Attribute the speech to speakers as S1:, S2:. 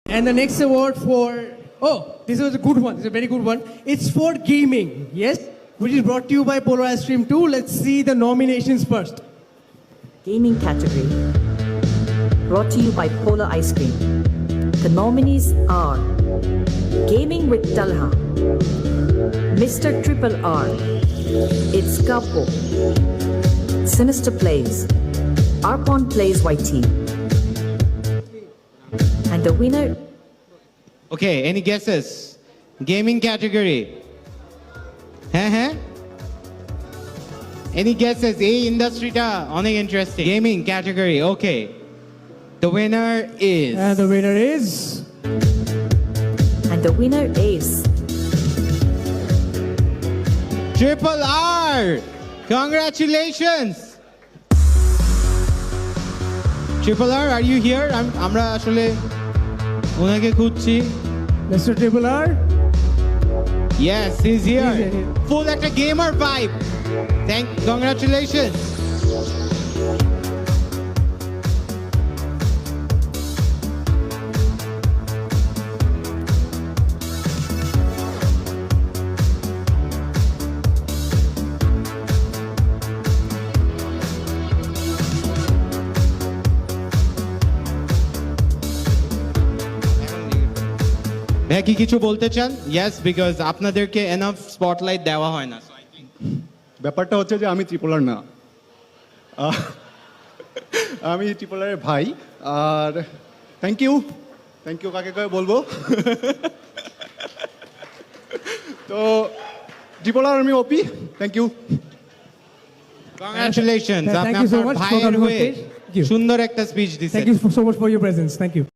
S1: And the next award for, oh, this was a good one. This is a very good one. It's for gaming, yes? Which is brought to you by Polar Ice Cream 2. Let's see the nominations first.
S2: Gaming category. Brought to you by Polar Ice Cream. The nominees are Gaming with Talha, Mr. Triple R, It's Kapo, Sinister Plays, Arpon Plays YT. And the winner,
S3: Okay, any guesses? Gaming category. হ্যাঁ Any guesses? এই ইন্ডাস্ট্রিটা অনেক interesting. Gaming category, okay. The winner is
S1: And the winner is...
S2: and the winner is
S3: Triple R. Congratulations. Triple R, are you here? আমরা আসলে ওনাকে খুঁজছি।
S1: Mr. Triple R.
S3: Yes, he's here.
S1: He's here.
S3: Full একটা gamer vibe. Congratulations. ভাই কি কিছু বলতে চান? Yes, because আপনাদেরকে enough spotlight দেওয়া হয় না।
S4: ব্যাপারটা হচ্ছে যে আমি ত্রিপোলার না, আমি ত্রিপোলারের ভাই। আর থ্যাংক ইউ কাকে কাকে বলবো। তো ত্রিপোলার আমি ওপি, thank you.
S3: Congratulations.
S1: Thank you so much for
S3: ভাইয়ের
S1: coming on
S3: হয়ে
S1: stage. Thank you.
S3: সুন্দর একটা স্পিচ দিছেন।
S1: Thank you so much for your presence. Thank you.